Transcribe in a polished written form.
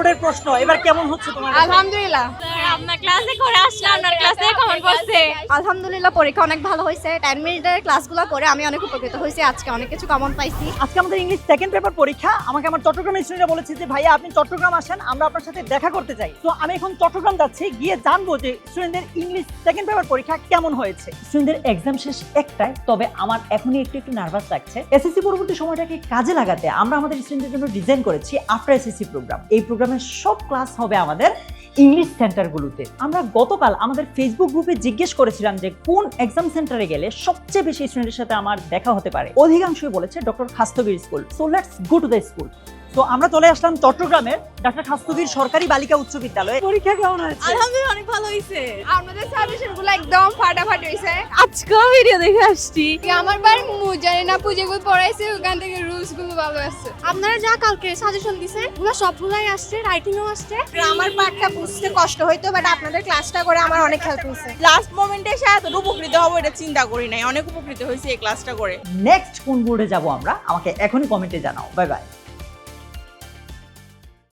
বোর্ডের প্রশ্ন এবার কেমন হচ্ছে তোমার? আলহামদুলিল্লাহ। আপনার ক্লাসে করে আসলাম, আপনার ক্লাসে কেমন পড়ছে? আলহামদুলিল্লাহ, পরীক্ষা অনেক ভালো হয়েছে। 10 মিনিটের ক্লাসগুলো করে আমি অনেক উপকৃত হয়েছি। আজকে অনেক কিছু কমন পাইছি। আজকে আমাদের ইংলিশ সেকেন্ড পেপার পরীক্ষা। আমাকে আমার চট্টগ্রামের স্টুডেন্টরা বলেছে যে ভাইয়া আপনি চট্টগ্রাম আসেন, আমরা আপনার সাথে দেখা করতে চাই। তো আমি এখন চট্টগ্রাম যাচ্ছি, গিয়ে জানবো যে স্টুডেন্টদের ইংলিশ সেকেন্ড পেপার পরীক্ষা কেমন হয়েছে। স্টুডেন্টদের এক্সাম শেষ একটায়, তবে আমার এখনই একটু নার্ভাস লাগছে। এসএসসি পরবর্তী সময়টাকে কাজে লাগাতে আমরা আমাদের স্টুডেন্টদের জন্য ডিজাইন করেছি আফটার এসএসসি প্রোগ্রাম। এই প্রোগ্রামের সব ক্লাস হবে আমাদের ইংলিশ সেন্টারগুলোতে। আমরা গতকাল আমাদের ফেসবুক গ্রুপে জিজ্ঞেস করেছিলাম যে কোন এক্সাম সেন্টারে গেলে সবচেয়ে বেশি স্টুডেন্টের সাথে আমার দেখা হতে পারে। অধিকাংশই বলেছে doctor Khastagir school. So let's go to the school. তো আমরা চলে আসলাম চট্টগ্রামের ডক্টর খাস্তগির সরকারি বালিকা উচ্চ বিদ্যালয়ে। পরীক্ষা কেমন হয়েছে? আলহামদুলিল্লাহ অনেক ভালো হয়েছে। আপনাদের সাজেশনগুলো একদম ফাটাফাটি হয়েছে। আজকে ভিডিও দেখে আসছি। আমার বার জানি না পুজোগুলো পড়াইছে, ওখান থেকে রুলস গুলো ভালো আছে। আপনারা যা কালকে সাজেশন দিছেন ওগুলো সবগুলাই আসছে, রাইটিংও আসছে। আমার পার্টটা বুঝতে কষ্ট হইতো, বাট আপনাদের ক্লাসটা করে আমার অনেক হেল্প হয়েছে। লাস্ট মোমেন্টে এসে এত উপকৃত হবো এটা চিন্তা করি নাই, অনেক উপকৃত হয়েছে এই ক্লাসটা করে। নেক্সট কোন বোর্ডে যাব আমরা, আমাকে এখনই কমেন্টে জানাও। Bye by.